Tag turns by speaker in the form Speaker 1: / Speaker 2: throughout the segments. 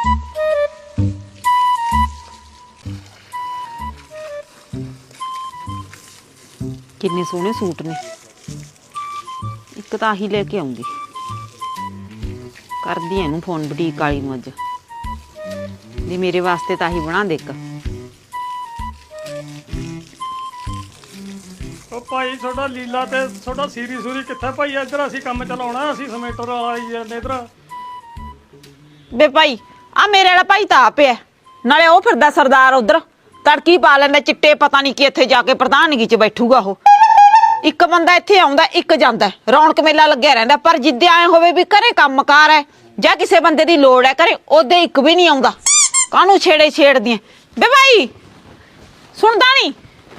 Speaker 1: किन्ने सोहने सूट ने एक तो आही लेके आऊंगी कर दी इनू फोन बुटीक वाली नूं अज भी मेरे वास्ते तो आही बना दे
Speaker 2: भाई थोड़ा लीला ते थोड़ा सीरी सूरी कित्थे भाई इधर असीं काम चलाउणा असीं समेटर वाला आई जांदे इधर
Speaker 1: बे भाई आ मेरे वाला भाई तो आप है नाले वो फिरदा सरदार उधर तड़की पा लैंदा चिट्टे पता नहीं कि इत्थे जाके प्रधानगी च बैठूगा वो एक बंदा इत्थे आउंदा एक जांदा रौनक मेला लग्या रहिंदा पर जिद्दे आए होवे भी घरे कामकार है जां किसे बंदे दी लोड़ है घरे ओदे एक भी नहीं आउंदा कानू छेड़े छेड़दियां बे भाई सुनदा नहीं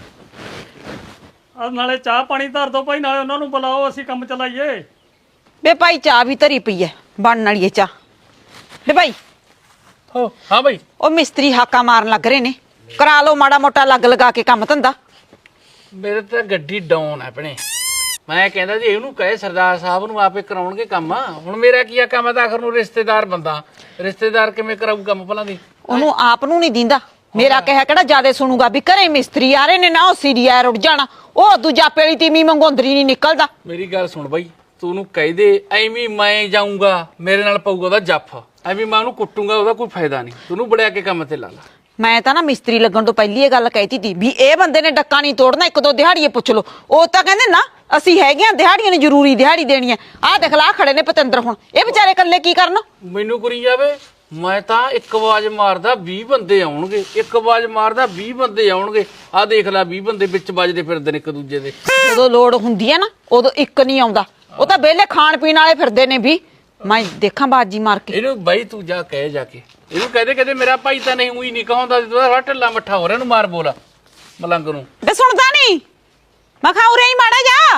Speaker 2: नाले चाह पानी धर दो भाई नाले उन्हां नूं बुलाओ असीं काम चलाइए
Speaker 1: बे भाई चाह भी धरी पई है बनन वाली है चाह बे भाई
Speaker 2: हो हाँ भाई
Speaker 1: ओ मिस्त्री हाका मारन लग रहे ने करा लो माड़ा मोटा लग लगा के काम धंधा
Speaker 3: मेरे तो गड्डी डाउन है अपने मैं कहता जी इहनूं कहे सरदार साहब नूं आपे कराउणगे काम हुण मेरा की काम है तो आखिर नूं रिश्तेदार बंदा रिश्तेदार किवें कराऊ काम भला दी
Speaker 1: ओनू आप नूं नहीं दींदा मेरा कह केड़ा ज्यादा सुनूगा भी घरे मिस्त्री आ रहे ने ना ओ सीरियर उठ जाना ओ दूजा पेली तीमी मंगोंदरी नहीं निकलदा
Speaker 3: मेरी गल सुन बई तू ओनूं कह दे एवें मैं जाऊंगा मेरे नाल पऊगा ओहदा जफ एवें मैं ओनूं कुੱਟੂਗਾ ओहदा कोई फायदा नहीं तू ओनूं बड़िया के काम ते ला ला
Speaker 1: मैं तो ना मिस्त्री लगन तो पहली ये गल कहती थी भी ए बंदे ने डक्का नहीं तोड़ना एक दो दिहाड़िए पुछ लो ओ तो कहंदे ना ਅਸੀਂ ਹੈਗੇ ਆ ਦਿਹਾੜੀਆਂ ਨੇ ਜ਼ਰੂਰੀ ਦਿਹਾੜੀ ਦੇਣੀ ਹੈ ਆਹ ਦੇਖ ਲਾ ਖੜੇ ਨੇ ਪਤੰਦਰ ਹੁਣ ਇਹ ਵਿਚਾਰੇ ਇਕੱਲੇ ਕੀ ਕਰਨ
Speaker 3: ਮੈਨੂੰ ਕਰੀ ਜਾਵੇ ਮੈਂ ਤਾਂ ਇੱਕ ਆਵਾਜ਼ ਮਾਰਦਾ 20 ਬੰਦੇ ਆਉਣਗੇ ਇੱਕ ਆਵਾਜ਼ ਮਾਰਦਾ 20 ਬੰਦੇ ਆਉਣਗੇ ਆਹ ਦੇਖ ਲੈ 20 ਬੰਦੇ ਵਿੱਚ ਵੱਜਦੇ ਫਿਰਦੇ ਨੇ ਇੱਕ ਦੂਜੇ ਦੇ
Speaker 1: ਜਦੋਂ ਲੋੜ ਹੁੰਦੀ ਹੈ ਨਾ ਉਦੋਂ ਇੱਕ ਨਹੀਂ ਆਉਂਦਾ ਉਹ ਤਾਂ ਵਿਹਲੇ ਖਾਣ ਪੀਣ ਵਾਲੇ ਫਿਰਦੇ ਨੇ ਵੀ ਮੈਂ ਦੇਖਾਂ ਬਾਜੀ ਮਾਰ ਕੇ
Speaker 3: ਇਹਨੂੰ ਬਾਈ ਤੂੰ ਜਾ ਕਹਿ ਜਾ ਕੇ ਇਹਨੂੰ ਕਹਦੇ ਮੇਰਾ ਭਾਈ ਤਾਂ ਨਹੀਂ ਉਹੀ ਨਹੀਂ ਕਹਾਉਂਦਾ ਤੂੰ ਥੋੜਾ ਢਿੱਲਾ ਮੱਠਾ ਹੋ ਰਿਹਾ ਇਹਨੂੰ ਮਾਰ ਬੋਲ ਮਲੰਗ ਨੂੰ
Speaker 1: ਬੇ ਸੁਣਦਾ ਨਹੀਂ ਮੈਂ ਖਾਉ ਰਹੀ ਮਾੜਾ ਜਾ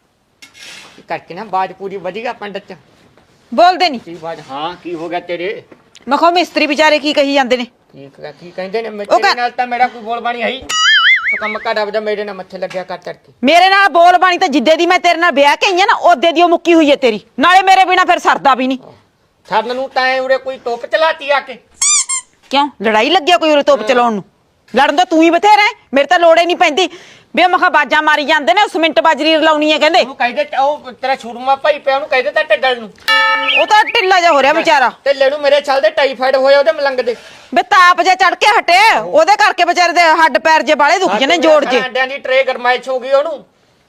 Speaker 4: करके ना बाज पूरी बढ़िया पंडित च
Speaker 1: ਬੋਲਦੇ ਨਹੀਂ
Speaker 4: की बाज हाँ की हो गया तेरे
Speaker 1: ਮੈਂ ਖਾਉ ਮਿਸਤਰੀ ਵਿਚਾਰੇ ਕੀ ਕਹੀ ਜਾਂਦੇ ਨੇ
Speaker 4: की कहंदे ने तेरे नाल ता मेरा कोई बोल बानी है ही तो कम का डबदा मेरे ना मत्थे लग गया कर चढ़के
Speaker 1: ਮੇਰੇ ਨਾਲ ਬੋਲ ਬਾਣੀ ਤਾਂ ਜਿੱਦੇ ਦੀ ਮੈਂ ਤੇਰੇ ਨਾਲ ਵਿਆਹ ਕੇ ਆਈ ਆ ਨਾ ਉਹਦੇ ਦੀ ਉਹ ਮੁੱਕੀ ਹੋਈ ਹੈ ਤੇਰੀ ਨਾਲੇ ਮੇਰੇ ਬਿਨਾ ਫਿਰ ਸਰਦਾ ਵੀ ਨਹੀਂ
Speaker 4: छरन नु ताए उरे कोई टोप चलाती आके
Speaker 1: ਕਿਉਂ ਲੜਾਈ ਲੱਗਿਆ ਕੋਈ ਉਰੇ ਤੋਪ ਚਲਾਉਣ ਨੂੰ ਲੜਨ ਦਾ ਤੂੰ ਹੀ ਬਥੇਰਾ ਹੈ ਮੇਰੇ ਤਾਂ ਲੋੜ ਹੀ ਨਹੀਂ ਪੈਂਦੀ ਬੇ ਮਖਾ ਬਾਜਾਂ ਮਾਰੀ ਜਾਂਦੇ ਨੇ ਸਿਮਿੰਟ ਬਾਜਰੀ ਲਾਉਣੀ ਹੈ ਕਹਿੰਦੇ
Speaker 4: ਉਹਨੂੰ ਕਹਿੰਦੇ ਉਹ ਤੇਰਾ ਛੁਰਮਾ ਭਾਈ ਪਿਆ ਉਹਨੂੰ ਕਹਿੰਦੇ ਤਾਂ ਢੱਡਲ ਨੂੰ
Speaker 1: ਉਹ ਤਾਂ ਢਿੱਲਾ ਜਿਹਾ ਹੋ ਰਿਹਾ ਵਿਚਾਰਾ
Speaker 4: ਢਿੱਲੇ ਨੂੰ ਮੇਰੇ ਛਲ ਦੇ ਟਾਈਫਾਈਡ ਹੋਇਆ ਉਹਦੇ ਮਲੰਗ ਦੇ
Speaker 1: ਬੇ ਤਾਪ ਜੇ ਚੜ ਕੇ ਹਟੇ ਉਹਦੇ ਕਰਕੇ ਵਿਚਾਰੇ ਦੇ ਹੱਡ ਪੈਰ ਜੇ ਬਾਲੇ ਦੁਖ ਜਨੇ ਜੋੜ ਜੇ
Speaker 4: ਅੰਡਿਆਂ ਦੀ ਟਰੇ ਗਰਮਾਇਸ਼ ਹੋ ਗਈ ਉਹਨੂੰ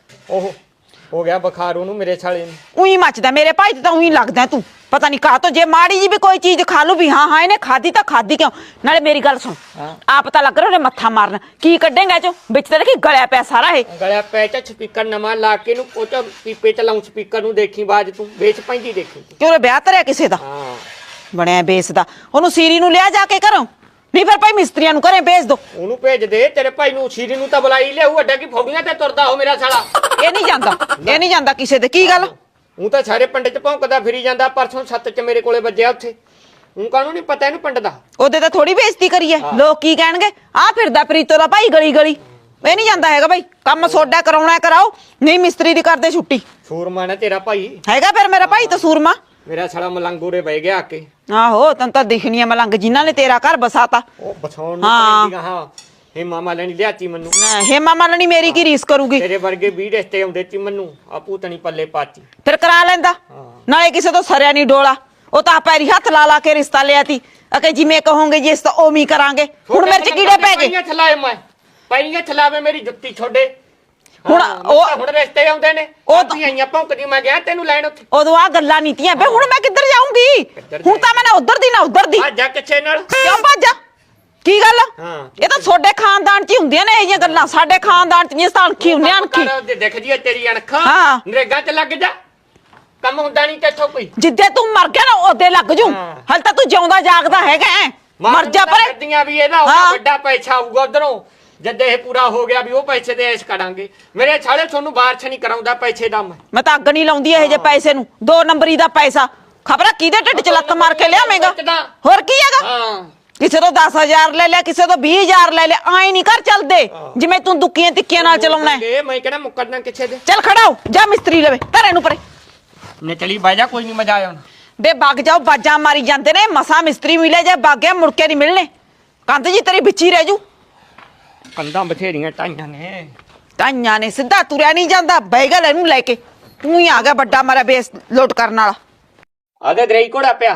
Speaker 4: ਉਹ ਹੋ ਗਿਆ ਬੁਖਾਰ ਉਹਨੂੰ ਮੇਰੇ ਛਾਲੇ ਨੂੰ
Speaker 1: ਉਹੀ ਮੱਚਦਾ ਮੇਰੇ ਭਾਈ ਤੇ ਤਾਂ ਉਹੀ ਲੱਗਦਾ ਤੂੰ ਪਤਾ ਨਹੀਂ ਕਾਹ ਤੋਂ ਜੇ ਮਾੜੀ ਜੀ ਵੀ ਕੋਈ ਚੀਜ਼ ਖਾ ਲੂ ਵੀ ਹਾਂ ਹਾਂ ਇਹਨੇ ਖਾਦੀ ਤਾਂ ਖਾਦੀ ਕਿਉਂ ਨਾਲੇ ਮੇਰੀ ਗੱਲ ਸੁਣ ਆ ਪਤਾ ਲੱਗ ਰਿਹਾ ਉਹਨੇ ਮੱਥਾ ਮਾਰਨਾ ਕੀ ਕੱਢੇਗਾ ਚੋ ਵਿੱਚ ਤੇ ਦੇਖੀ ਗਲਿਆ ਪਿਆ ਸਾਰਾ ਇਹ
Speaker 4: ਗਲਿਆ ਪਿਆ ਚ ਸਪੀਕਰ ਨਵਾਂ ਲਾ ਕੇ ਨੂੰ ਉਹ ਚ ਪੀਪੇ ਚ ਲਾਉਂ ਸਪੀਕਰ ਨੂੰ ਦੇਖੀ ਬਾਜ ਤੂੰ ਵੇਚ ਪੈਂਦੀ ਦੇਖੀ
Speaker 1: ਕਿ ਉਹਨੇ ਵਿਆਹ ਧਰਿਆ ਕਿਸੇ ਦਾ
Speaker 4: ਹਾਂ
Speaker 1: ਬਣਿਆ ਬੇਸ ਦਾ ਉਹਨੂੰ ਸੀਰੀ ਨੂੰ ਲਿਆ ਜਾ ਕੇ ਘਰੋਂ ਨਹੀਂ ਫਿਰ ਭਾਈ ਮਿਸਤਰੀਆਂ ਨੂੰ ਘਰੇ ਭੇਜ ਦੋ
Speaker 4: ਉਹਨੂੰ ਭੇਜ ਦੇ ਤੇਰੇ ਭਾਈ ਨੂੰ ਸੀਰੀ ਨੂੰ ਤਾਂ ਬੁਲਾਈ ਲਿਆਉ ਅੱਡਾ ਕੀ ਫੌੜੀਆਂ ਤੇ ਤੁਰਦਾ ਹੋ ਮੇਰਾ ਸਾਲਾ
Speaker 1: ਇਹ ਨਹੀਂ ਜਾਂਦਾ ਕਿਸੇ ਦੇ ਕੀ ਗੱਲ
Speaker 4: ਉਹ ਤਾਂ ਸਾਰੇ ਪਿੰਡ ਚ ਭੌਂਕਦਾ ਫਿਰੀ ਜਾਂਦਾ ਪਰਸੋਂ ਛੱਤ ਚ ਮੇਰੇ ਕੋਲੇ ਵੱਜਿਆ ਉੱਥੇ ਉਹ ਕਾਹਨੂੰ ਨਹੀਂ ਪਤਾ ਇਹਨੂੰ ਪਿੰਡ ਦਾ
Speaker 1: ਉਹਦੇ ਤਾਂ ਥੋੜੀ ਬੇਇੱਜ਼ਤੀ ਕਰੀ ਐ ਲੋਕ ਕੀ ਕਹਿਣਗੇ ਆ ਫਿਰਦਾ ਪ੍ਰੀਤੋ ਦਾ ਭਾਈ ਗਲੀ ਗਲੀ ਇਹ ਨਹੀਂ ਜਾਂਦਾ ਹੈਗਾ ਭਾਈ ਕੰਮ ਸੋਡਾ ਕਰਾਉਣਾ ਕਰਾਓ ਨਹੀਂ ਮਿਸਤਰੀ ਦੀ ਕਰਦੇ ਛੁੱਟੀ
Speaker 4: ਸੂਰਮਾ ਨਾ ਤੇਰਾ ਭਾਈ
Speaker 1: ਹੈਗਾ ਫਿਰ ਮੇਰਾ ਭਾਈ ਤਾਂ ਸੂਰਮਾ
Speaker 4: ਮੇਰਾ ਸਾਲਾ ਮਲੰਗੂਰੇ ਬਹਿ ਗਿਆ ਆ ਕੇ
Speaker 1: ਆਹੋ ਤੈਨੂੰ ਤਾਂ ਦਿਖਣੀ ਐ ਮਲੰਗ ਜਿਨ੍ਹਾਂ ਨੇ ਤੇਰਾ ਘਰ ਬਸਾਤਾ
Speaker 4: ਉਹ ਬਛਾਉਣ ਨੂੰ ਪੈਂਦੀ ਹਾਂ ਇਹ ਮਾਮਾ ਲੈਣੀ ਲਿਆਤੀ ਮੈਨੂੰ
Speaker 1: ਹੇਮਾ ਮਾਲਣੀ ਮੇਰੀ ਕੀ ਰੀਸ ਕਰੂਗੀ
Speaker 4: ਤੇਰੇ ਵਰਗੇ 20 ਰਿਸ਼ਤੇ ਆਉਂਦੇ ਸੀ ਮੈਨੂੰ ਆਪੂ ਤਣੀ ਪੱਲੇ ਪਾਤੀ
Speaker 1: ਫਿਰ ਕਰਾ ਲੈਂਦਾ ਨਾਲੇ ਕਿਸੇ ਤੋਂ ਸਰਿਆ ਨਹੀਂ ਡੋਲਾ ਉਹ ਤਾਂ ਪੈਰੀ ਹੱਥ ਲਾ ਲਾ ਕੇ ਰਿਸ਼ਤਾ ਲਿਆ ਤੀ ਅਕੇ ਜਿਵੇਂ ਕਹੋਗੇ ਜੀ ਇਸ ਤਾਂ ਓਵੇਂ ਕਰਾਂਗੇ ਹੁਣ ਮੇਰੇ ਚ ਕੀੜੇ ਪੈ ਗਏ
Speaker 4: ਥਲਾਏ ਮੈਂ ਪੈਰੀਆਂ ਥਲਾਵੇ ਮੇਰੀ ਜੁੱਤੀ ਛੋਡੇ
Speaker 1: ਹੁਣ ਉਹ
Speaker 4: ਹੁਣ ਰਿਸ਼ਤੇ ਆਉਂਦੇ ਨੇ ਉਹ ਤਾਂ ਆਈਆਂ ਭੌਂਕਦੀ ਮੈਂ ਗਿਆ ਤੈਨੂੰ ਲੈਣ ਉੱਥੇ
Speaker 1: ਉਦੋਂ ਆ ਗੱਲਾਂ ਨੀਤੀਆਂ ਬੇ ਹੁਣ ਮੈਂ ਕਿੱਧਰ ਜਾਊਂਗੀ ਹੁਣ ਤਾਂ ਮੈਂ ਨਾ ਉਧਰ ਦੀ ਨਾ ਉਧਰ ਦੀ
Speaker 4: ਆ ਜਾ ਕਿੱਥੇ ਨਾਲ
Speaker 1: ਕਿਉਂ ਭੱਜਾ ਕੀ ਗੱਲ ਇਹ ਤਾਂ ਤੁਹਾਡੇ ਖਾਨਦਾਨ ਚ ਹੀ ਹੁੰਦੀਆਂ ਨੇ ਇਹ ਜਿਹੀਆਂ ਗੱਲਾਂ ਸਾਡੇ ਖਾਨਦਾਨ ਚ ਨਹੀਂ ਤਾਂ ਅਣਖੀ ਹੁੰਨੇ ਅਣਖੀ
Speaker 4: ਦੇਖ ਜੀ ਤੇਰੀ ਅਣਖਾਂ
Speaker 1: ਹਾਂ
Speaker 4: ਨਰੇਗਾ ਚ ਲੱਗ ਜਾ ਕੰਮ ਹੁੰਦਾ ਨਹੀਂ ਤੇਥੋਂ ਕੋਈ
Speaker 1: ਜਿੱਦੇ ਤੂੰ ਮਰ ਗਿਆ ਨਾ ਉਹਦੇ ਲੱਗ ਜੂ ਹਲ ਤਾਂ ਤੂੰ ਜਿਉਂਦਾ ਜਾਗਦਾ ਹੈਗਾ ਮਰ ਜਾ ਪਰ
Speaker 4: ਵੀ ਇਹਦਾ ਵੱਡਾ ਪੈਸਾ ਆਊਗਾ ਉਧਰੋਂ ਜਦ ਇਹ ਪੂਰਾ ਹੋ ਗਿਆ ਵੀ ਉਹ ਪੈਸੇ ਦੇ ਐਸ਼ ਕਰਾਂਗੇ ਮੇਰੇ ਛਾਲੇ ਤੁਹਾਨੂੰ ਬਾਰਛ ਨਹੀਂ ਕਰਾਉਂਦਾ ਪੈਸੇ ਦਾ ਮੈਂ ਤਾਂ
Speaker 1: ਅੱਗ ਨਹੀਂ ਲਾਉਂਦੀ ਇਹ ਜੇ ਪੈਸੇ ਨੂੰ 2 ਨੰਬਰੀ ਦਾ ਪੈਸਾ ਖਬਰਾਂ ਕਿਹਦੇ ਢਿੱਡ ਚ ਲੱਤ ਮਾਰ ਕੇ ਲਿਆਵੇਂਗਾ ਹੋਰ ਕੀ ਹੈਗਾ
Speaker 4: ਹਾਂ
Speaker 1: ਕਿਸੇ ਤੋਂ 10,000 ਲੈ ਲਿਆ ਕਿਸੇ ਤੋਂ 20,000 ਲੈ ਲਿਆ ਆਏ ਨਹੀਂ ਘਰ ਚੱਲਦੇ ਜਿਵੇਂ ਤੂੰ ਦੁੱਕੀਆਂ ਤਿੱਕੀਆਂ ਨਾਲ ਚਲਾਉਣਾ ਹੈ
Speaker 4: ਮੈਂ ਕਹਿੰਦਾ ਮੁੱਕਰਨਾ ਕਿੱਥੇ ਦੇ
Speaker 1: ਚੱਲ ਖੜਾ ਹੋ ਜਾ ਮਿਸਤਰੀ ਲਵੇ ਧਰੇ ਨੂੰ ਪਰੇ
Speaker 4: ਨੇ ਚਲੀ ਬਾਜਾ ਕੋਈ ਨਹੀਂ ਮਜ਼ਾ ਆਇਆ
Speaker 1: ਬੇ ਵਗ ਜਾਓ, ਬਾਜਾਂ ਮਾਰੀ ਜਾਂਦੇ ਨੇ, ਮਸਾ ਮਿਸਤਰੀ ਮਿਲੇ ਜੇ ਵਗ ਗਿਆ ਮੁੜ ਕੇ ਨਹੀਂ ਮਿਲਣੇ। ਕੰਧ ਜੀ ਤੇਰੀ ਵਿੱਚ ਹੀ ਰਹਿ ਜੂ।
Speaker 4: ਕੰਧਾਂ ਬਥੇਰੀਆਂ ਟਾਈਆਂ ਨੇ।
Speaker 1: ਤਾਈਆਂ ਨੇ ਸਿੱਧਾ ਤੁਰਿਆ ਨਹੀਂ ਜਾਂਦਾ, ਬੈਗਲ ਇਹਨੂੰ ਲੈ ਕੇ ਤੂੰ ਹੀ ਆ ਗਿਆ ਵੱਡਾ ਮਾਰਾ ਬੇਸ ਲੋਟ ਕਰਨ ਵਾਲਾ।
Speaker 4: ਆਦੇ ਦਰਈ ਕੋੜਾ ਪਿਆ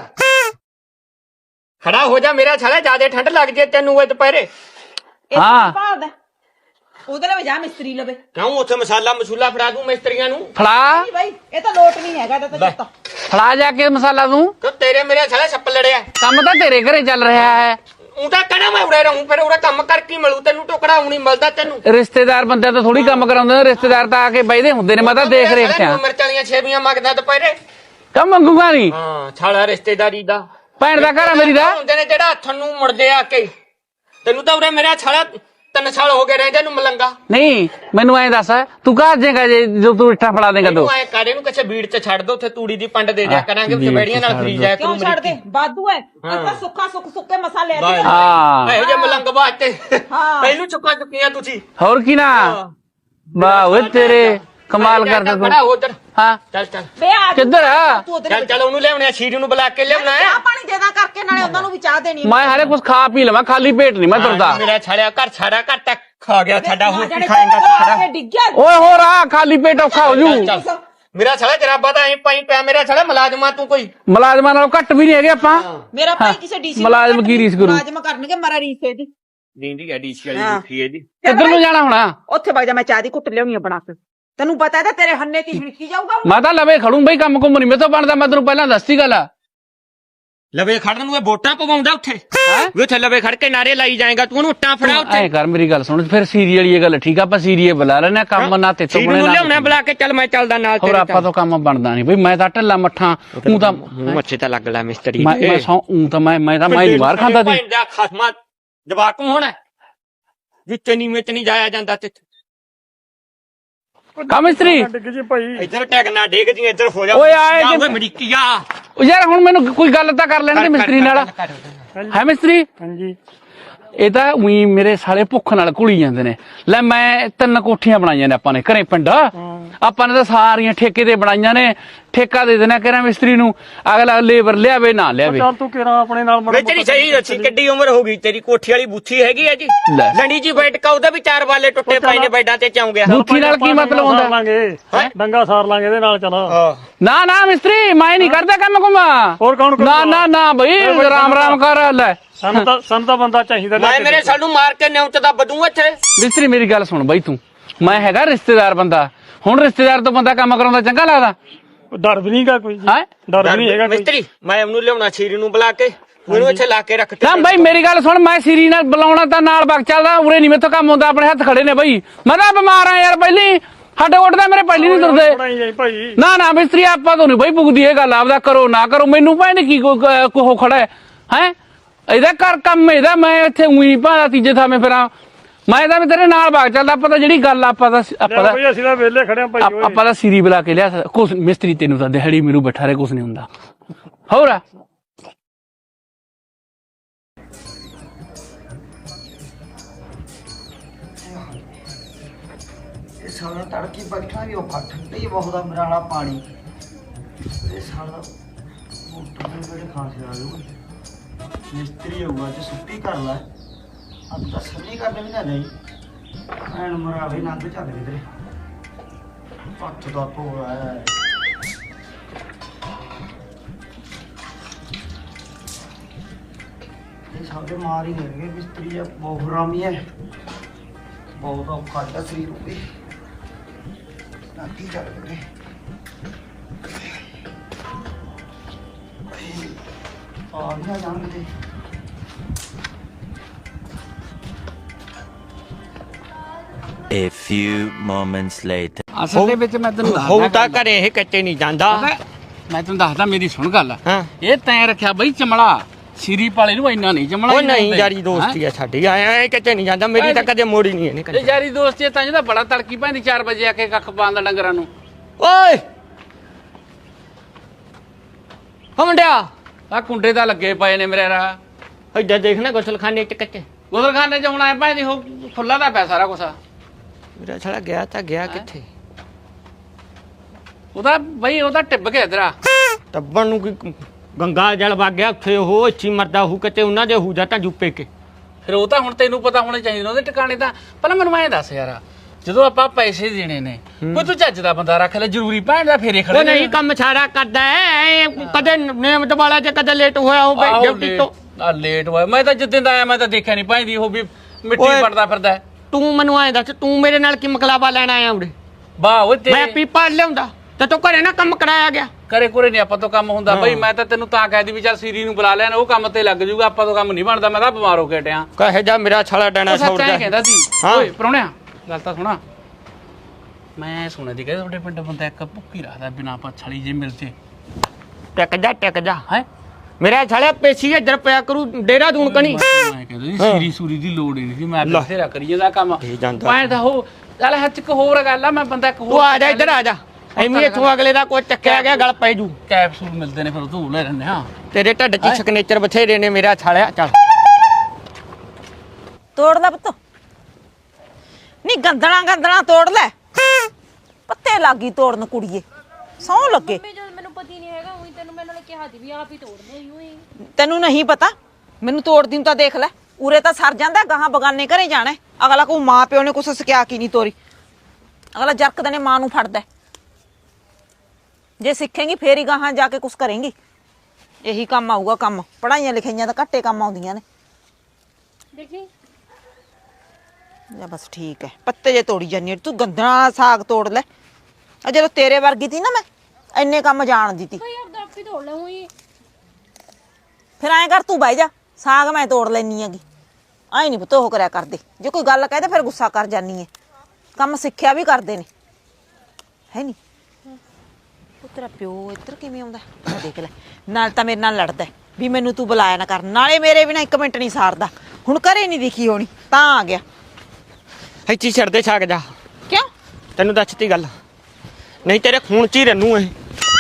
Speaker 4: ਖੜਾ ਹੋ ਜਾ ਮੇਰਾ ਛਾਲਾ, ਜਿਆਦੇ ਠੰਡ ਲੱਗ ਜੇ ਤੈਨੂੰ ਇਹ ਦੁਪਹਿਰੇ।
Speaker 3: ਹਾਂ।
Speaker 1: ਉਹਦੇ ਲਵੇ ਜਾ ਮਿਸਤਰੀ ਲਵੇ।
Speaker 4: ਕਿਉਂ ਉੱਥੇ ਮਸਾਲਾ ਮਸੂਲਾ ਫੜਾ ਦੂੰ ਮਿਸਤਰੀਆਂ ਨੂੰ।
Speaker 3: ਫੜਾ
Speaker 1: ਨਹੀਂ ਬਾਈ ਇਹ ਤਾਂ ਲੋਟ ਨਹੀਂ ਹੈਗਾ, ਇਹ ਤਾਂ ਚੁੱਤਾ।
Speaker 3: ਫੜਾ ਜਾ ਕੇ ਮਸਾਲਾ ਤੂੰ।
Speaker 4: ਕਿ ਤੇਰੇ ਮੇਰੇ ਛਾਲਾ ਛੱਪ ਲੜਿਆ।
Speaker 3: ਕੰਮ ਤਾਂ ਤੇਰੇ ਘਰੇ ਚੱਲ ਰਿਹਾ ਹੈ।
Speaker 4: ਉਹ ਤਾਂ ਕਹਿਣਾ ਮੈਂ ਉਰੇ ਰਹੂੰ, ਫਿਰ ਉਰੇ ਕੰਮ ਕਰਕੇ ਮਿਲੂ ਤੈਨੂੰ, ਟੁਕੜਾ ਹੁਣੀ ਮਿਲਦਾ ਤੈਨੂੰ।
Speaker 3: ਰਿਸ਼ਤੇਦਾਰ ਬੰਦਿਆਂ ਤੋਂ ਥੋੜੀ ਕੰਮ ਕਰਾਉਂਦੇ ਨੇ, ਰਿਸ਼ਤੇਦਾਰ ਤਾਂ ਆ ਕੇ ਬੈਠਦੇ ਹੁੰਦੇ ਨੇ। ਮੈਂ ਤਾਂ ਦੇਖ ਰੇਖ ਤੇ ਆ।
Speaker 4: ਮਿਰਚਾਂ ਦੀਆਂ ਛੇਵੀਆਂ ਮੰਗਦਾ ਦੁਪਹਿਰੇ।
Speaker 3: ਕੰਮ ਮੰਗੂਗਾ ਨਹੀਂ।
Speaker 4: ਹਾਂ ਛਾਲਾ ਰਿਸ਼ਤੇਦਾਰੀ ਦਾ
Speaker 3: ਭੈਣ ਦਾ ਘਰ ਆ ਮੇਰੀ ਦਾ।
Speaker 4: ਹੁੰਦੇ ਨੇ ਜਿਹੜਾ ਹੱਥਾਂ ਨੂੰ ਮੁੜਦੇ ਆ ਕੇ। ਤੈਨੂੰ ਤਾਂ ਉਰੇ ਮੇਰਾ ਛਾਲਾ 3 ਸਾਲ ਹੋ ਗਏ ਰਹਿੰਦੇ ਨੂੰ ਮਲੰਗਾ।
Speaker 3: ਨਹੀਂ ਮੈਨੂੰ ਐਂ ਦੱਸ ਤੂੰ ਕਾ ਜਾਏਗਾ ਜੇ ਜੋ ਤੂੰ ਇੱਟਾਂ ਫੜਾ ਦੇਗਾ ਤੂੰ।
Speaker 4: ਐ ਕਰੇ ਨੂੰ ਕਿਸੇ ਬੀੜ ਚ ਛੱਡ ਦੋ, ਉੱਥੇ ਤੂੜੀ ਦੀ ਪੰਡ ਦੇ ਦਿਆ ਕਰਾਂਗੇ, ਉੱਥੇ ਬੈੜੀਆਂ ਨਾਲ ਫਰੀ ਜਾਇਆ
Speaker 1: ਕਿਉਂ ਛੱਡ ਦੇ, ਬਾਦੂ ਹੈ ਤਾਂ ਸੁੱਖਾ ਸੁੱਕੇ ਮਸਾਲੇ ਆ।
Speaker 3: ਹਾਂ
Speaker 4: ਇਹੋ ਜਿਹੇ ਮਲੰਗ ਬਾਤੇ ਪਹਿਲੂ ਚੁੱਕਾ ਚੁੱਕੀਆਂ ਤੁਸੀਂ।
Speaker 3: ਹੋਰ ਕੀ ਨਾ ਵਾਹ ਓਏ ਤੇਰੇ ਕਮਾਲ ਕਰਦਾ
Speaker 4: ਬੜਾ
Speaker 3: ਤੂੰ।
Speaker 4: ਉਧਰ
Speaker 3: ਹਾਂ
Speaker 4: ਚੱਲ ਚੱਲ
Speaker 1: ਬੇ ਆ
Speaker 3: ਕਿੱਧਰ ਆ?
Speaker 4: ਚੱਲ ਚੱਲ ਉਹਨੂੰ ਲਿਆਉਣਾ, ਸ਼ੀਰੀ ਨੂੰ ਬੁਲਾ ਕੇ ਲਿਆਉਣਾ ਹੈ।
Speaker 1: ਚਾਹ ਪਾਣੀ ਦੇਦਾ ਕਰਕੇ, ਨਾਲੇ ਉਹਨਾਂ ਨੂੰ ਵੀ ਚਾਹ ਦੇਣੀ।
Speaker 3: ਮੈਂ ਹਾਲੇ ਕੁਝ ਖਾ ਪੀ ਲਵਾਂ, ਖਾਲੀ ਪੇਟ ਨਹੀਂ ਮੈਂ ਤੁਰਦਾ।
Speaker 4: ਮੇਰਾ ਛੜਿਆ ਘਰ ਸਾਰਾ ਘਰ ਤੱਕ ਖਾ ਗਿਆ ਸਾਡਾ, ਹੋਰ ਕੀ
Speaker 1: ਜਿਹੜੇ
Speaker 4: ਖਾਏਗਾ
Speaker 1: ਆ ਕੇ ਡਿੱਗ ਗਿਆ।
Speaker 3: ਓਏ ਹੋਰ ਆ ਖਾਲੀ ਪੇਟ ਔਖਾ ਹੋ ਜੂ।
Speaker 4: ਚੱਲ। ਮੇਰਾ ਛੜਾ ਜਰਾਬਾ ਤਾਂ ਐਂ ਪਾਈ ਪਿਆ, ਮੇਰਾ ਛੜਾ ਮੁਲਾਜ਼ਮਾਂ ਤੂੰ ਕੋਈ।
Speaker 3: ਮੁਲਾਜ਼ਮਾਂ ਨਾਲੋਂ ਘੱਟ ਵੀ ਨਹੀਂ ਹੈਗੇ ਆਪਾਂ।
Speaker 1: ਮੇਰਾ ਭਾਈ ਕਿਸੇ ਡੀਸੀ
Speaker 3: ਮੁਲਾਜ਼ਮ ਕੀ ਰੀਸ ਕਰੂ?
Speaker 1: ਮੁਲਾਜ਼ਮ ਕਰਨਗੇ ਮਾਰਾ ਰੀਸ ਇਹਦੀ।
Speaker 4: ਦੀਂਦੀ ਆ ਡੀਸੀ ਵਾਲੀ ਦੁੱਖੀ ਇਹਦੀ।
Speaker 3: ਕਿੱਧਰ ਨੂੰ ਜਾਣਾ ਹੋਣਾ?
Speaker 1: ਉੱਥੇ ਵਗ ਜਾ, ਮੈਂ ਚਾਹ ਦੀ ਘੁੱਟ ਲਿਆਉਣੀ ਆ ਬਣਾ ਕੇ। ਤੈਨੂੰ ਪਤਾ ਹੈ ਤੇਰੇ ਹੰਨੇ ਤੇ ਹਿਲਕੀ ਜਾਊਗਾ।
Speaker 3: ਮੈਂ ਤਾਂ ਲਵੇ ਖੜੂ ਬਈ, ਕੰਮ ਕੁੰਮ ਨਹੀਂ ਮੇਥੋਂ ਬਣਦਾ। ਮੈਂ ਤੈਨੂੰ ਪਹਿਲਾਂ ਦੱਸੀ ਗੱਲ ਆ।
Speaker 4: ਲਵੇ ਖੜਨ ਨੂੰ ਇਹ ਵੋਟਾਂ ਪਵਾਉਂਦਾ ਉੱਥੇ ਵੀ ਉੱਥੇ ਲਵੇ ਖੜ ਕੇ ਨਾਰੇ ਲਾਈ ਜਾਏਗਾ, ਤੂੰ ਉਹਨੂੰ ਉੱਟਾਂ ਫੜਾ ਉੱਥੇ।
Speaker 3: ਐ ਕਰ ਮੇਰੀ ਗੱਲ ਸੁਣ, ਫਿਰ ਸੀਰੀਅਲ ਵਾਲੀ ਇਹ ਗੱਲ ਠੀਕ ਆ, ਆਪਾਂ ਸੀਰੀਅਲ ਬੁਲਾ ਲੈਣੇ ਆ। ਕੰਮ ਨਾ ਤੇ ਤੋਂ
Speaker 4: ਸ਼ੀਰੀ
Speaker 3: ਬਣੇ
Speaker 4: ਨੂੰ
Speaker 3: ਨਾ
Speaker 4: ਲਿਆਉਣਾ ਬੁਲਾ ਕੇ, ਚੱਲ ਮੈਂ ਚੱਲਦਾ ਨਾਲ
Speaker 3: ਹੋਰ
Speaker 4: ਤੇਰੇ।
Speaker 3: ਆਪਾਂ ਤੋਂ ਕੰਮ ਬਣਦਾ ਨਹੀਂ ਬਈ। ਮੈਂ ਤਾਂ ਢੱਲਾ ਮੱਠਾ ਤੂੰ ਤਾਂ
Speaker 4: ਮੱਛੇ ਤਾਂ ਲੱਗ ਲੈ ਮਿਸਤਰੀ।
Speaker 3: ਮੈਂ ਸੌ ਤਾਂ ਮੈਂ ਨਹੀਂ ਬਾਹਰ ਖਾਂਦਾ ਸੀ।
Speaker 4: ਭੈਣ ਦਾ ਖਸਮਾ ਜਵਾਕੂ ਹੋਣਾ ਜਿੱਤੇ ਨਹੀਂ ਵਿੱਚ ਨਹੀਂ ਜਾਇਆ ਜਾਂਦਾ ਤੇ।
Speaker 3: ਕੰਮ ਇਸਤਰੀ
Speaker 2: ਡਿੱਗ ਜੀ ਭਾਈ।
Speaker 4: ਇੱਧਰ ਟੈਗ ਨਾ ਡੇਗ ਜੀ, ਇੱਧਰ ਹੋ ਜਾ।
Speaker 3: ਓਏ ਆਏ
Speaker 4: ਜਾ
Speaker 3: ਕਿ-
Speaker 4: ਓਏ ਮੜੀਕੀਆ।
Speaker 3: ਉਹ ਯਾਰ ਹੁਣ ਮੈਨੂੰ ਕੋਈ ਗੱਲ ਤਾਂ ਕਰ ਲੈਣ ਦੇ ਮਿਸਤਰੀ ਨਾਲ। ਹੈ ਮਿਸਤਰੀ?
Speaker 2: ਹਾਂਜੀ
Speaker 3: ਇਹ ਤਾਂ ਉਹੀ ਮੇਰੇ ਸਾਲੇ ਭੁੱਖ ਨਾਲ ਘੁਲੀ ਜਾਂਦੇ ਨੇ। ਲੈ ਮੈਂ 3 ਕੋਠੀਆਂ ਬਣਾਈਆਂ ਨੇ ਆਪਾਂ ਨੇ ਘਰੇ ਪਿੰਡ। ਆਪਾਂ ਨੇ ਤਾਂ ਸਾਰੀਆਂ ਠੇਕੇ ਤੇ ਬਣਾਈਆਂ ਨੇ। ਠੇਕਾ ਦੇ ਦੇਣਾ ਕਿਹੜਾ ਮਿਸਤਰੀ ਨੂੰ, ਅਗਲਾ ਲੇਬਰ ਲਿਆਵੇ ਨਾ ਲਿਆਵੇ।
Speaker 2: ਚੱਲ ਤੂੰ ਕਿਹੜਾ ਆਪਣੇ ਨਾਲ
Speaker 4: ਵੇ ਤੇਰੀ ਸਹੀ ਦੱਸੀ ਕਿੱਡੀ ਉਮਰ ਹੋ ਗਈ ਤੇਰੀ? ਕੋਠੀ ਵਾਲੀ ਬੁੱਥੀ ਹੈਗੀ ਹੈ ਜੀ,
Speaker 3: ਲੈ।
Speaker 4: ਲੰਡੀ ਜੀ ਬੈਠਕਾ, ਉਹਦਾ ਵੀ 4 ਵਾਲੇ ਟੁੱਟੇ ਪਏ ਨੇ ਬੈਡਾਂ ਤੇ ਚਾਉਂ ਗਿਆ।
Speaker 3: ਬੂਥੀ ਨਾਲ ਕੀ ਮਤਲਬ ਹੁੰਦਾ?
Speaker 2: ਡੰਗਾ ਸਾਰ ਲਾਂਗੇ ਇਹਦੇ ਨਾਲ। ਚਲ
Speaker 3: ਨਾ ਨਾ ਮਿਸਤਰੀ ਮੈਂ ਨਹੀਂ ਕਰਦਾ ਕੰਮ ਕੁਮਾ।
Speaker 2: ਹੋਰ ਕੌਣ ਕਰੂਗਾ?
Speaker 3: ਨਾ ਨਾ ਨਾ ਬਈ ਰਾਮ ਰਾਮ ਕਰ ਲੈ।
Speaker 2: ਸਾਨੂੰ ਤਾਂ ਬੰਦਾ ਚਾਹੀਦਾ।
Speaker 4: ਮੈਂ ਮੇਰੇ ਸਾਨੂੰ ਮਾਰ ਕੇ ਨਿਉਂਚ ਦਾ ਬਦੂ ਇੱਥੇ।
Speaker 3: ਮਿਸਤਰੀ ਮੇਰੀ ਗੱਲ ਸੁਣ ਬਈ, ਤੂੰ ਮੈਂ ਹੈਗਾ ਰਿਸ਼ਤੇਦਾਰ ਬੰਦਾ। ਹੁਣ ਰਿਸ਼ਤੇਦਾਰ ਤੋਂ ਬੰਦਾ ਕੰਮ ਕਰਾਉਂਦਾ ਚੰਗਾ ਲੱਗਦਾ?
Speaker 2: ਡਰ ਵੀ ਨਹੀਂਗਾ ਕੋਈ।
Speaker 3: ਹੈ
Speaker 2: ਡਰ ਵੀ ਨਹੀਂ ਹੈਗਾ ਕੋਈ।
Speaker 4: ਮਿਸਤਰੀ ਮੈਂ ਉਹਨੂੰ ਲਿਆਉਣਾ, ਸ਼ੀਰੀ ਨੂੰ ਬੁਲਾ ਕੇ ਉਹਨੂੰ ਇੱਥੇ ਲਾ ਕੇ ਰੱਖ।
Speaker 3: ਨਾ ਬਈ ਮੇਰੀ ਗੱਲ ਸੁਣ, ਮੈਂ ਸੀਰੀ ਨਾਲ ਬੁਲਾਉਣਾ ਤਾਂ ਨਾਲ ਵਗ ਚੱਲਦਾ। ਉਰੇ ਨਹੀਂ ਮੇਥੋਂ ਕੰਮ ਹੁੰਦਾ, ਆਪਣੇ ਹੱਥ ਖੜੇ ਨੇ ਬਈ। ਮੈਂ ਤਾਂ ਬਿਮਾਰ ਆ ਯਾਰ, ਪਹਿਲੀ ਹੱਡ ਉੱਡਦਾ ਮੇਰੇ, ਪਹਿਲੀ ਨਹੀਂ ਤੁਰਦੇ।
Speaker 2: ਭਾਈ
Speaker 3: ਨਾ ਨਾ ਮਿਸਤਰੀ ਆਪਾਂ ਤੋਂ ਨਹੀਂ ਬਈ ਪੁੱਗਦੀ ਇਹ ਗੱਲ। ਆਪਦਾ ਕਰੋ ਨਾ ਕਰੋ, ਮੈਨੂੰ ਭੈਣ ਕੀ ਕੋਹ ਖੜਾ ਹੈ। ਇਹਦਾ ਘਰ ਕੰਮ ਇਹਦਾ, ਮੈਂ ਇੱਥੇ ਉਹੀ ਭਾਦਾ ਤੀਜੇ ਥਾਵੇਂ ਫਿਰਾਂ। ਮੈਂ ਤਾਂ ਵੀ ਤੇਰੇ ਨਾਲ ਵਗ ਚੱਲਦਾ। ਆਪਾਂ ਤਾਂ ਜਿਹੜੀ ਗੱਲ ਆਪਾਂ ਦਾ
Speaker 2: ਅਸੀਂ ਤਾਂ ਵਿਹਲੇ ਖੜੇ ਆ ਭਾਈ।
Speaker 3: ਆਪਾਂ ਦਾ ਸੀਰੀ ਬੁਲਾ ਕੇ ਲਿਆ ਕੁਛ। ਮਿਸਤਰੀ ਤੈਨੂੰ ਤਾਂ ਦਿਹਾੜੀ ਮੈਨੂੰ ਬੈਠਾ ਰਹੇ ਕੁਛ ਨਹੀਂ ਹੁੰਦਾ। ਹੋਰ ਆ
Speaker 5: ਇਹ ਸਾਲਾ ਤੜਕੀ ਬੈਠਾ ਵੀ ਔਖਾ, ਠੰਡੇ ਹੀ ਬਹੁਤ ਆ ਮੇਰਾ ਵਾਲਾ ਪਾਣੀ। ਇਹ ਸਾਲਾ ਮੋਟਰ ਦੇ ਜਿਹੜੇ ਖਾਂਸੇ ਆ ਜਾਊਗਾ। ਮਿਸਤਰੀ ਆਊਗਾ ਤੇ ਛੁੱਟੀ ਕਰ ਲੈ। ਅੱਜ ਤਾਂ ਸੰਨੀ ਕਰਨ ਵੀ ਨਾ ਜਾਈ। ਐਨ ਮਰਾਵੇ ਨੰਗ ਚੱਲ ਕਿਧਰੇ। ਪੱਟ ਦਾ ਧੋਲਾ ਹੈ। ਇਹ ਸਾਡੇ ਮਾਰ ਹੀ ਨਹੀਂ ਮਿਸਤਰੀ ਆ, ਬਹੁਤ ਹਰਾਮੀ ਹੈ। ਬਹੁਤ ਔਖਾ ਜਿਹਾ ਸਰੀਰ ਹੋ ਗਈ। ਨਾਤੀ ਚੱਲ ਗਏ। ਆ ਨਾ ਜਾਣਦੇ।
Speaker 6: A few moments later.
Speaker 3: ਅਸਲ ਦੇ ਵਿੱਚ ਮੈਂ ਤੈਨੂੰ
Speaker 4: ਹੋਊ
Speaker 3: ਦੱਸਦਾ
Speaker 4: ਤਾਂ ਘਰੇ ਇਹ ਕੱਚੇ ਨਹੀਂ ਜਾਂਦਾ।
Speaker 3: ਮੈਂ ਤੈਨੂੰ ਦੱਸਦਾ, ਮੇਰੀ ਸੁਣ ਗੱਲ।
Speaker 4: ਹਾਂ
Speaker 3: ਇਹ ਤੈਂ ਰੱਖਿਆ ਬਈ ਚਮੜਾ, ਸੀਰੀ ਪਾਲੇ ਨੂੰ ਇੰਨਾ ਨਹੀਂ ਚਮੜਾ।
Speaker 4: ਉਹ ਨਹੀਂ ਯਾਰੀ ਦੋਸਤੀ ਆ ਸਾਡੀ, ਆਇਆ ਕੱਚੇ ਨਹੀਂ ਜਾਂਦਾ। ਮੇਰੀ ਤਾਂ ਕਦੇ ਮੋੜੀ ਨਹੀਂ ਇਹਨੇ
Speaker 3: ਤੇ
Speaker 4: ਕਦੇ।
Speaker 3: ਯਾਰੀ ਦੋਸਤੀ ਤਾਂ ਜਿਹਦਾ ਬੜਾ ਤੜਕੀ ਪੈਂਦੀ 4 ਵਜੇ ਆ ਕੇ ਕੱਖ ਪਾਉਂਦਾ ਡੰਗਰਾਂ ਨੂੰ।
Speaker 4: ਓਏ ਹੋ ਮੁੰਡਿਆ,
Speaker 3: ਆ ਕੁੰਡੇ ਤਾਂ ਲੱਗੇ ਪਏ ਨੇ ਮੇਰੇ ਰਾ।
Speaker 4: ਇੱਧਰ ਦੇਖਣਾ ਗੁਸਲਖਾਨੇ ਚ ਕੱਚੇ।
Speaker 3: ਗੁਜ਼ਰਖਾਨੇ ਚ ਹੁਣ ਆਏ ਭਾਈ ਦੀ ਖੁੱਲਾ ਦਾ ਪਿਆ ਸਾਰਾ ਕੁਛ।
Speaker 4: ਮੇਰਾ ਛੜਾ ਗਿਆ ਤਾਂ ਗਿਆ ਕਿੱਥੇ?
Speaker 3: ਉਹਦਾ ਬਈ ਉਹਦਾ ਟਿੱਬ ਗਿਆ ਇਧਰਾ।
Speaker 4: ਟੱਬਣ ਨੂੰ ਕੀ ਗੰਗਾ ਜਲ ਵਗ ਗਿਆ ਉੱਥੇ ਉਹ ਇੱਥੇ ਹੀ ਮਰਦਾ ਹੂ ਕਿਤੇ ਉਹਨਾਂ ਦੇ ਹੂ ਜਾਂ ਤਾਂ ਜੁੱਪੇ ਕੇ।
Speaker 3: ਫਿਰ ਉਹ ਤਾਂ ਹੁਣ ਤੈਨੂੰ ਪਤਾ ਹੋਣਾ ਚਾਹੀਦਾ ਉਹਦੇ ਟਿਕਾਣੇ ਤਾਂ। ਪਹਿਲਾਂ ਮੈਨੂੰ ਐਂ ਦੱਸ ਯਾਰ, ਜਦੋਂ ਆਪਾਂ ਪੈਸੇ ਦੇਣੇ ਨੇ ਕੋਈ ਤੂੰ ਚੱਜ ਦਾ ਬੰਦਾ ਰੱਖ ਲੈ, ਜ਼ਰੂਰੀ ਭੈਣ ਦਾ ਫੇਰੇ ਖੜੇ
Speaker 4: ਉਹ ਨਹੀਂ ਕੰਮ ਸਾਰਾ ਕਰਦਾ ਹੈ, ਕਦੇ ਨਿਯਮਤ ਵਾਲਾ ਤੇ ਕਦੇ ਲੇਟ ਹੋਇਆ ਹੋਵੇ ਡਿਊਟੀ ਤੋਂ।
Speaker 3: ਲੇਟ ਹੋਇਆ ਮੈਂ ਤਾਂ ਜਿੱਦਾਂ ਦਾ ਆਇਆ ਮੈਂ ਤਾਂ ਦੇਖਿਆ ਨਹੀਂ ਭਾਂਦੀ ਉਹ ਵੀ ਮਿੱਟੀ
Speaker 4: ਓਏ।
Speaker 3: ਪੜਦਾ ਫਿਰਦਾ।
Speaker 4: ਤੂੰ ਮੈਨੂੰ ਐਂ ਦੱਸ, ਤੂੰ ਮੇਰੇ ਨਾਲ ਕੀ ਮਕਲਾਵਾ ਲੈਣ ਆਇਆ ਉਰੇ?
Speaker 3: ਵਾਹ ਓਏ
Speaker 4: ਮੈਂ
Speaker 3: ਤੇਰੇ
Speaker 4: ਪੀਪਾ ਲਿਆਉਂਦਾ ਤੇ ਤੂੰ ਘਰੇ ਨਾ ਕੰਮ ਕਰਾਇਆ ਗਿਆ।
Speaker 3: ਕਰੇ ਕੋਰੇ ਨਹੀਂ ਆਪਾਂ ਤੋਂ ਕੰਮ ਹੁੰਦਾ ਬਈ। ਮੈਂ ਤਾਂ ਤੈਨੂੰ ਤਾਂ ਕਹਿਦੀ ਵੀ ਚੱਲ ਸੀਰੀ ਨੂੰ ਬੁਲਾ ਲੈਣ, ਉਹ ਕੰਮ ਤੇ ਲੱਗ ਜਾਊਗਾ, ਆਪਾਂ ਤੋਂ ਕੰਮ ਨਹੀਂ ਬਣਦਾ। ਮੈਂ ਤਾਂ ਬਿਮਾਰ ਹੋ ਕੇ ਹਟਿਆ।
Speaker 4: ਕਹੇ ਜਾ ਮੇਰਾ ਛਾਲਾ ਡਾਣਾ
Speaker 3: ਉਹ ਸੱਚ
Speaker 4: ਸੌੜ
Speaker 3: ਐਂ
Speaker 4: ਜਾ।
Speaker 3: ਕਹਿੰਦਾ ਸੀ
Speaker 4: ਹਾਂ।
Speaker 3: ਓਏ ਪ੍ਰਾਹੁਣਿਆ ਗੱਲ ਤਾਂ ਸੁਣਾ। ਮੈਂ ਸੁਣਿਆ ਦੀ ਕਹਿੰਦੇ ਤੁਹਾਡੇ ਪਿੰਡ ਬੰਦਾ ਇੱਕ ਭੁੱਕੀ ਰੱਖਦਾ ਬਿਨਾ ਪਛੜੀ ਜੇ ਮਿਲ ਜੇ।
Speaker 4: ਟਿਕ ਜਾ
Speaker 3: ਹੈ
Speaker 4: ਮੇਰਾ ਛਾਲਾ ਪੇਸ਼ੀ ਇੱਧਰ ਪਿਆ ਕਰੂ ਡੇਰਾ ਦੂਣ ਕਣੀ।
Speaker 3: ਮੈਂ ਕਹਿੰਦਾ ਸੀ ਸੀਰੀ ਸੂਰੀ ਦੀ ਲੋੜ ਹੀ ਨਹੀਂ ਸੀ, ਮੈਂ ਬਥੇਰਾ ਕਰੀ ਜਾਂਦਾ ਕੰਮ।
Speaker 4: ਇਹ ਜਾਂਦਾ।
Speaker 3: ਮੈਂ ਤਾਂ ਉਹ ਚੱਲ ਹੱਥ ਇੱਕ ਹੋਰ ਗੱਲ ਆ, ਮੈਂ ਬੰਦਾ ਇੱਕ
Speaker 4: ਤੂੰ
Speaker 3: ਹੋਰ
Speaker 4: ਆ ਜਾ ਇੱਧਰ ਆ ਜਾ, ਐਵੇਂ ਇੱਥੋਂ ਅਗਲੇ ਦਾ ਕੋਈ ਚੱਕਿਆ ਗਿਆ ਗਲ ਪੈ ਜੂ।
Speaker 3: ਕੈਪਸੂਲ ਮਿਲਦੇ ਨੇ ਫਿਰ ਉਹ ਤੋਂ ਲੈ ਲੈਂਦੇ ਹਾਂ।
Speaker 4: ਤੇਰੇ ਢੱਡ 'ਚ ਸਿਗਨੇਚਰ ਬਥੇਰੇ ਨੇ ਮੇਰਾ ਛਾਲਿਆ। ਚੱਲ
Speaker 1: ਤੋੜ ਲੈ ਪੁੱਤ, ਨਹੀਂ ਗੰਦਣਾ ਤੋੜ ਲੈ। ਪੱਤੇ ਲੱਗੀ ਤੋੜਨ ਕੁੜੀਏ, ਸੌਂ ਲੱਗੇ।
Speaker 7: ਮੰਮੀ ਜਦ ਮੈਨੂੰ ਪਤੀ ਨਹੀਂ ਹੈਗਾ ਉਹੀ ਤੈਨੂੰ ਮੈਂ ਨਾਲੇ ਕਿਹਾ ਸੀ ਵੀ ਆਪ ਹੀ ਤੋੜਨੇ ਹੀ।
Speaker 1: ਤੈਨੂੰ ਨਹੀਂ ਪਤਾ, ਮੈਨੂੰ ਤੋੜਦੀ ਨੂੰ ਤਾਂ ਦੇਖ ਲੈ। ਉਰੇ ਤਾਂ ਸਰ ਜਾਂਦਾ, ਗਾਹਾਂ ਬਗਾਨੇ ਘਰੇ ਜਾਣਾ ਹੈ। ਅਗਲਾ ਕੋ ਮਾਂ ਪਿਓ ਨੇ ਕੁਛ ਸਿਖਿਆ ਕੀ ਨਹੀਂ ਤੋਰੀ, ਅਗਲਾ ਜਰਕਦੇ ਨੇ ਮਾਂ ਨੂੰ ਫੜਦਾ। ਜੇ ਸਿੱਖੇਂਗੀ ਫੇਰ ਹੀ ਗਾਹਾਂ ਜਾ ਕੇ ਕੁਛ ਕਰੇਂਗੀ। ਇਹੀ ਕੰਮ ਆਊਗਾ, ਕੰਮ ਪੜਾਈਆਂ ਲਿਖਾਈਆਂ ਤਾਂ ਘੱਟੇ ਕੰਮ ਆਉਂਦੀਆਂ ਨੇ।
Speaker 7: ਦੇਖੀ
Speaker 1: ਜਾਂ ਬਸ ਠੀਕ ਹੈ, ਪੱਤੇ ਜੇ ਤੋੜੀ ਜਾਨੀ ਆਂ। ਤੂੰ ਗੰਦਣਾ ਸਾਗ ਤੋੜ ਲੈ। ਆ ਜਦੋਂ ਤੇਰੇ ਵਰਗੀ ਤੀ ਨਾ ਮੈਂ ਇੰਨੇ ਕੰਮ ਜਾਣਦੀ ਤੀ।
Speaker 7: ਕੋਈ ਆਪਦਾ ਆਪ ਹੀ ਤੋੜ ਲੈ ਉਹੀ।
Speaker 1: ਫਿਰ ਐਂ ਕਰ, ਤੂੰ ਬਹਿ ਜਾ, ਸਾਗ ਮੈਂ ਤੋੜ ਲੈਣੀ ਹੈਗੀ। ਆਈ ਨਹੀਂ ਪੁੱਤ ਉਹ ਕਰਿਆ ਕਰਦੇ, ਜੇ ਕੋਈ ਗੱਲ ਕਹੇ ਤਾਂ ਫਿਰ ਗੁੱਸਾ ਕਰ ਜਾਨੀ ਹੈ। ਕੰਮ ਸਿੱਖਿਆ ਵੀ ਕਰਦੇ ਨੇ, ਹੈ ਨਹੀਂ? ਉਹ ਤੇਰਾ ਪਿਓ ਇੱਧਰ ਕਿਵੇਂ ਆਉਂਦਾ ਆਹ ਦੇਖ ਲੈ। ਨਾਲ ਤਾਂ ਮੇਰੇ ਨਾਲ ਲੜਦਾ ਵੀ ਮੈਨੂੰ ਤੂੰ ਬੁਲਾਇਆ ਨਾ ਕਰ, ਨਾਲੇ ਮੇਰੇ ਬਿਨਾਂ ਇੱਕ ਮਿੰਟ ਨਹੀਂ ਸਾਰਦਾ। ਹੁਣ ਘਰੇ ਨਹੀਂ ਦਿਖੀ ਹੋਣੀ ਤਾਂ ਆ ਗਿਆ।
Speaker 4: ਇੱਥੇ ਛੱਡ ਦੇ ਛਾਗ ਜਾ।
Speaker 1: ਕਿਉਂ?
Speaker 4: ਤੈਨੂੰ ਦੱਸਤੀ ਗੱਲ, ਨਹੀਂ ਤੇਰੇ ਖੂਨ 'ਚ ਹੀ ਰੰਨੂ ਇਹ।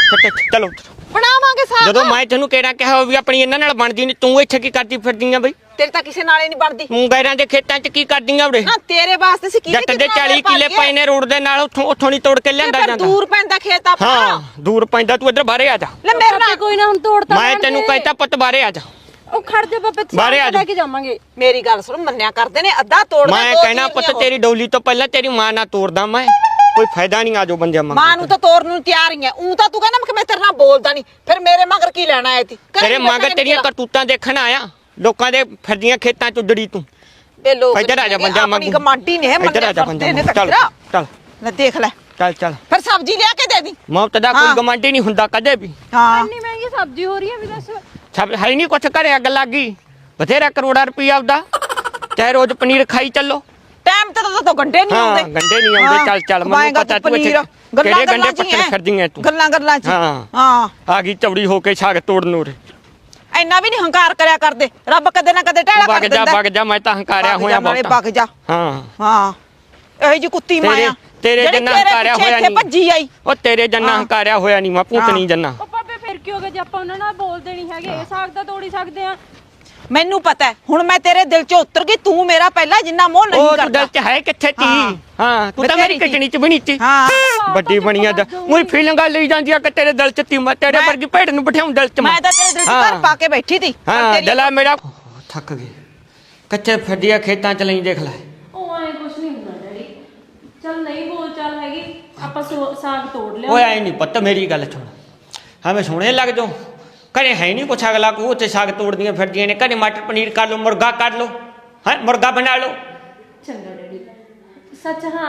Speaker 4: ਚਲੋ
Speaker 1: ਬਣਾਵਾਂਗੇ ਸਾਗ।
Speaker 4: ਜਦੋਂ ਮੈਂ ਤੈਨੂੰ ਕਿਹੜਾ ਕਿਹਾ ਵੀ ਆਪਣੀ ਇਹਨਾਂ ਨਾਲ ਬਣਦੀ ਨਹੀਂ, ਤੂੰ ਇੱਥੇ ਕੀ ਕਰਦੀ ਫਿਰਦੀ ਆ ਬਈ?
Speaker 1: ਤੇਰੇ ਤਾਂ ਕਿਸੇ ਨਾਲੇ ਨਹੀਂ ਬਣਦੀ।
Speaker 4: ਤੂੰ ਗੈਰਾਂ ਦੇ ਖੇਤਾਂ 'ਚ ਕੀ ਕਰਦੀ ਆ ਉਰੇ?
Speaker 1: ਨਾ ਤੇਰੇ ਵਾਸਤੇ ਸੀ
Speaker 4: ਜੱਟ ਦੇ 40 ਕਿੱਲੇ ਪਏ ਨੇ ਰੋਡ ਦੇ ਨਾਲ, ਉੱਥੋਂ ਨਹੀਂ ਤੋੜ ਕੇ ਲਿਆਂਦਾ ਜਾਂਦਾ।
Speaker 1: ਦੂਰ ਪੈਂਦਾ ਖੇਤ ਆਪਣਾ।
Speaker 4: ਹਾਂ ਦੂਰ ਪੈਂਦਾ, ਤੂੰ ਇੱਧਰ ਬਾਹਰੇ ਆ ਜਾ।
Speaker 1: ਲੈ ਮੇਰੇ ਨਾਲ
Speaker 7: ਕੋਈ ਨਾ ਹੁਣ ਤੋੜਤਾ
Speaker 4: ਮੈਂ ਤੈਨੂੰ ਕਹਿਤਾ ਪੁੱਤ ਬਾਹਰੇ ਆ ਜਾ।
Speaker 7: ਉਹ ਖੜ ਜਾ ਬਾਬੇ
Speaker 4: ਬਾਹਰੇ ਆ ਜਾ।
Speaker 7: ਲੈ ਕੇ ਜਾਵਾਂਗੇ।
Speaker 1: ਮੇਰੀ ਗੱਲ ਸੁਣ, ਮੰਨਿਆ ਕਰਦੇ ਨੇ ਅੱਧਾ ਤੋੜਦਾ।
Speaker 4: ਮੈਂ ਕਹਿਣਾ ਪੁੱਤ ਤੇਰੀ ਡੋਲੀ ਤੋਂ ਪਹਿਲਾਂ ਤੇਰੀ ਮਾਂ ਨਾਲ ਤੋੜਦਾ ਮੈਂ, ਕੋਈ ਫਾਇਦਾ ਨਹੀਂ। ਆਜੋ ਬੰਦਿਆਂ ਮੰਗ
Speaker 1: ਮਾਂ ਨੂੰ ਤਾਂ ਤੋੜਨ ਨੂੰ ਤਿਆਰ ਹੀ ਐ। ਉਹ ਤਾਂ ਤੂੰ ਕਹਿੰਦਾ ਮੈਂ ਤੇਰੇ ਨਾਲ ਬੋਲਦਾ ਨਹੀਂ, ਫਿਰ ਮੇਰੇ ਮਗਰ ਕੀ ਲੈਣਾ ਆਇਆ ਤੀ?
Speaker 4: ਤੇਰੇ ਮਗਰ ਤੇਰੀਆਂ ਕਰਤੂਤਾਂ ਦੇਖਣ ਆਇਆ, ਲੋਕਾਂ ਦੇ ਫਿਰਦੀਆਂ ਖੇਤਾਂ 'ਚ ਉਜੜੀ ਤੂੰ।
Speaker 1: ਬੇ ਲੋਕ
Speaker 4: ਇੱਧਰ ਆ ਜਾ ਬੰਦਿਆਂ ਮੰਗ।
Speaker 1: ਆਪਣੀ ਕਮਾਂਡੀ ਨੇ
Speaker 4: ਇੱਧਰ ਆ ਜਾ ਬੰਦਿਆਂ ਮੰਗ। ਚੱਲ ਚੱਲ
Speaker 1: ਲੈ ਦੇਖ ਲੈ,
Speaker 4: ਚੱਲ
Speaker 1: ਫਿਰ ਸਬਜ਼ੀ ਲਿਆ ਕੇ ਦੇ ਦੀ।
Speaker 4: ਮੌਤ ਦਾ ਕੋਈ ਗਮਾਂਡੀ ਨਹੀਂ ਹੁੰਦਾ ਕਦੇ ਵੀ।
Speaker 1: ਹਾਂ
Speaker 7: ਇੰਨੀ ਮਹਿੰਗੀ ਸਬਜ਼ੀ ਹੋ ਰਹੀ ਹੈ ਵੀ ਦੱਸ।
Speaker 4: ਸਭ ਹੈ ਨਹੀਂ ਕੁਛ ਘਰੇ ਅੱਗ ਲੱਗ ਗਈ, ਬਥੇਰਾ ਕਰੋੜਾ ਰੁਪਈਆ ਆਉਦਾ, ਚਾਹੇ ਰੋਜ਼ ਪਨੀਰ ਖਾਈ ਚੱਲੋ।
Speaker 1: ਟਾਈਮ ਤੇ ਤਾਂ ਗੰਡੇ ਨਹੀਂ
Speaker 4: ਹਾਂ
Speaker 1: ਆਉਂਦੇ।
Speaker 4: ਗੰਡੇ ਨਹੀਂ ਆਉਂਦੇ। ਚੱਲ ਚੱਲ ਮੈਨੂੰ ਪਤਾ ਤੂੰ ਇੱਥੇ ਕਿਹੜੇ ਗੰਡੇ ਪੱਟਣ ਫਿਰਦੀਆਂ ਤੂੰ।
Speaker 1: ਗੱਲਾਂ ਚ
Speaker 4: ਹਾਂ
Speaker 1: ਹਾਂ
Speaker 4: ਆ ਗਈ ਚੌੜੀ ਹੋ ਕੇ ਛਾਗ ਤੋੜਨ ਉਰੇ।
Speaker 1: ਇੰਨਾ ਵੀ ਨਹੀਂ ਹੰਕਾਰ ਕਰਿਆ ਕਰਦੇ, ਰੱਬ ਕਦੇ ਨਾ ਕਦੇ ਢੇੜਾ ਕਰ ਦਿੰਦਾ।
Speaker 4: ਵਗ ਜਾ ਮੈਂ ਤਾਂ ਹੰਕਾਰਿਆ ਹੋਇਆ ਬਹੁਤ।
Speaker 1: ਵਗ ਜਾ।
Speaker 4: ਹਾਂ
Speaker 1: ਹਾਂ ਇਹੋ ਜੀ ਕੁੱਤੀ ਮਾਇਆ
Speaker 4: ਤੇਰੇ ਜੰਨਾ ਹੰਕਾਰਿਆ ਹੋਇਆ ਨਹੀਂ।
Speaker 1: ਭੱਜੀ ਆਈ
Speaker 4: ਉਹ ਤੇਰੇ ਜੰਨਾ ਹੰਕਾਰਿਆ ਹੋਇਆ ਨਹੀਂ, ਮੈਂ ਭੂਤ ਨਹੀਂ ਜੰਨਾ।
Speaker 7: ਉਹ ਬਾਬੇ ਫਿਰ ਕੀ ਹੋ ਗਿਆ ਜੇ ਆਪਾਂ ਉਹਨਾਂ ਨਾਲ ਬੋਲਦੇ ਨਹੀਂ ਹੈਗੇ? ਸਾਗ ਤਾਂ ਤੋੜ ਹੀ ਸਕਦੇ ਆ।
Speaker 1: ਮੈਨੂੰ ਪਤਾ ਹੈ, ਹੁਣ ਮੈਂ ਤੇਰੇ ਦਿਲ 'ਚ ਉਤਰ ਗਈ। ਤੂੰ ਮੇਰਾ ਪਹਿਲਾਂ ਜਿੰਨਾ ਮੋਹ ਨਹੀਂ
Speaker 4: ਉਹ ਤੂੰ
Speaker 1: ਕਰਦਾ।
Speaker 4: ਦਿਲ 'ਚ ਹੈ ਕਿੱਥੇ ਤੀ? ਹਾਂ ਤੂੰ ਤਾਂ
Speaker 1: ਬਥੇਰੀ
Speaker 4: ਮੇਰੀ ਕਿਚਣੀ 'ਚ ਬਣੀ ਤੀ।
Speaker 1: ਹਾਂ
Speaker 4: ਵੱਡੀ ਬਣੀਆਂ ਦਾ ਉਹੀ ਫੀਲਿੰਗਾਂ ਲਈ ਜਾਂਦੀ ਆ ਕਿ ਤੇਰੇ ਦਿਲ 'ਚ ਤੀ। ਮੈਂ ਤੇਰੇ ਵਰਗੀ ਭੇਡ ਨੂੰ ਬਿਠਾਉਂ ਦਿਲ 'ਚ।
Speaker 1: ਮੈਂ ਤਾਂ ਤੇਰੇ ਦਿਲ 'ਚ ਘਰ ਪਾ ਕੇ ਬੈਠੀ ਸੀ।
Speaker 4: ਹਾਂ ਦਿਲਾ ਮੇਰਾ ਥੱਕ ਗਏ, ਕੱਚੇ ਫਿਰਦੀਆਂ ਖੇਤਾਂ 'ਚ ਲਈ ਦੇਖ ਲੈ।
Speaker 7: ਉਹ ਐ ਕੁਛ ਨਹੀਂ ਹੁੰਦਾ ਡੈਡੀ, ਚੱਲ ਨਹੀਂ ਬੋਲ ਚੱਲ ਹੈਗੀ, ਆਪਾਂ ਸਾਗ ਤੋੜ ਲਿਆ।
Speaker 4: ਓਏ ਆਏ ਨਹੀਂ ਪੁੱਤ ਮੇਰੀ ਗੱਲ ਸੁਣ, ਹਾਂ ਮੈਂ ਸੋਹਣੇ ਲੱਗ ਜਾਉ। ਘਰੇ ਹੈ ਨਹੀਂ ਕੁਛ, ਅਗਲਾ ਕੋ ਉੱਥੇ ਸਾਗ ਤੋੜਦੀਆਂ ਫਿਰਦੀਆਂ ਨੇ। ਘਰੇ ਮਟਰ ਪਨੀਰ ਕਰ ਲਓ, ਮੁਰਗਾ ਕਰ ਲਓ, ਹੈ ਮੁਰਗਾ ਬਣਾ ਲਓ।
Speaker 7: ਚੰਗਾ ਡੈਡੀ। ਸੱਚ ਹਾਂ,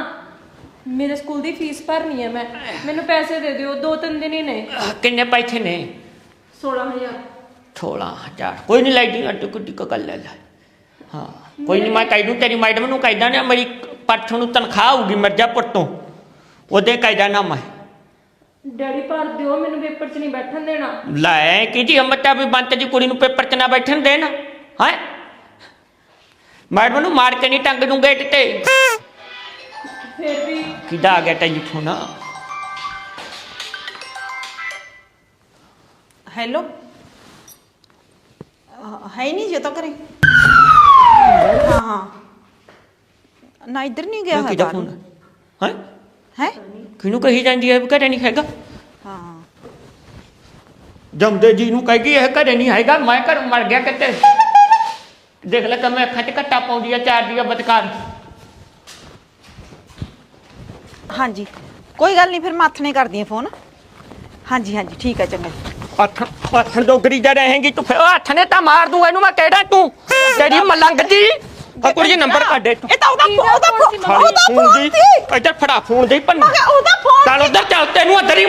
Speaker 7: ਮੇਰੇ ਸਕੂਲ ਦੀ ਫੀਸ ਭਰਨੀ ਹੈ ਮੈਂ, ਮੈਨੂੰ ਪੈਸੇ ਦੇ ਦਿਓ, 2-3 ਦਿਨ ਹੀ ਨੇ।
Speaker 4: ਕਿੰਨੇ ਪੈਸੇ ਨੇ?
Speaker 7: 16,000।
Speaker 4: 16,000 ਕੋਈ ਨਹੀਂ, ਲਾਈਟਿੰਗ ਅੱਡੀ ਕੁੱਡੀ ਕੋ ਕਰ ਲੈ। ਹਾਂ ਕੋਈ ਨਹੀਂ, ਮੈਂ ਕਹਿ ਦੂੰ ਤੇਰੀ ਮੈਡਮ ਨੂੰ ਕਹਿਦਾ ਨਾ ਮੇਰੀ ਪਰਸੋਂ ਨੂੰ ਤਨਖਾਹ ਆਊਗੀ ਮਿਰਜ਼ਾਪੁਰ ਤੋਂ, ਉਹਦੇ ਕਹਿਦਾ ਨਾ ਮੈਂ।
Speaker 7: ਡੈਡੀ ਭਰ ਦਿਓ, ਮੈਨੂੰ ਪੇਪਰ 'ਚ ਨਹੀਂ ਬੈਠਣ ਦੇਣਾ।
Speaker 4: ਲੈ ਕਿਹਦੀ ਹਿੰਮਤ ਆ ਵੀ ਬੰਤ ਦੀ ਕੁੜੀ ਨੂੰ ਪੇਪਰ 'ਚ ਨਾ ਬੈਠਣ ਦੇਣ? ਹੈ ਮੈਡਮ ਨੂੰ ਮਾਰ ਕੇ ਨਹੀਂ ਟੰਗ ਦੂੰ ਗੇਟ ਤੇ।
Speaker 7: ਫਿਰ ਵੀ
Speaker 4: ਕਿਹਦਾ ਆ ਗਿਆ ਟੈਲੀਫੋਨ?
Speaker 1: ਹੈਲੋ, ਹੈ ਨਹੀਂ ਜੇ ਤਾਂ ਕਰੇ। ਹਾਂ ਹਾਂ ਨਾ ਇੱਧਰ ਨਹੀਂ ਗਿਆ
Speaker 4: ਕਿਹਦਾ
Speaker 1: ਹੈ
Speaker 4: ਫੋਨ ਹੈ?
Speaker 1: ਹੈ
Speaker 4: ਕਿਹਨੂੰ ਕਹੀ ਜਾਂਦੀ ਹੈ ਵੀ ਘਰੇ ਨਹੀਂ ਹੈਗਾ?
Speaker 1: ਹਾਂ
Speaker 4: ਜਮਦੇ ਜੀ ਨੂੰ ਕਹੇਗੀ ਇਹ ਘਰੇ ਨਹੀਂ ਹੈਗਾ, ਮੈਂ ਘਰ ਮਰ ਗਿਆ ਕਿਤੇ। ਦੇਖ ਲੈ ਕਿਵੇਂ ਅੱਖਾਂ 'ਚ ਘੱਟਾ ਪਾਉਂਦੀ ਆ, ਚਾਰ ਦੀ ਬਤਕਾਰ।
Speaker 1: ਹਾਂਜੀ ਕੋਈ ਗੱਲ ਨਹੀਂ, ਫਿਰ ਮੈਂ ਆਥਣੇ ਕਰਦੀ ਆ ਫੋਨ। ਹਾਂਜੀ ਹਾਂਜੀ ਠੀਕ ਹੈ, ਚੰਗਾ।
Speaker 4: ਆਥਣ ਡੋਗਰੀ ਜਾ ਰਹੇਂਗੀ ਤੂੰ, ਫਿਰ ਹੱਥ ਨੇ ਤਾਂ ਮਾਰ ਦੂੰ ਇਹਨੂੰ ਮੈਂ ਕਹਿਦਾ। ਤੂੰ ਤੇਰੀ ਮਲੰਗ ਜੀ ਕੁੜੀ ਨੰਬਰ ਕੱਢ।
Speaker 1: ਇਹ ਤਾਂ ਉਹਦਾ ਫੋਨ
Speaker 4: ਫੋਨ ਦੀ ਇੱਧਰ ਫੜਾ, ਫੋਨ ਦੇ ਭੰਨ।
Speaker 1: ਉਹਦਾ ਫੋਨ
Speaker 4: ਚੱਲ ਉਧਰ ਚੱਲ, ਤੈਨੂੰ ਅੰਦਰ ਹੀ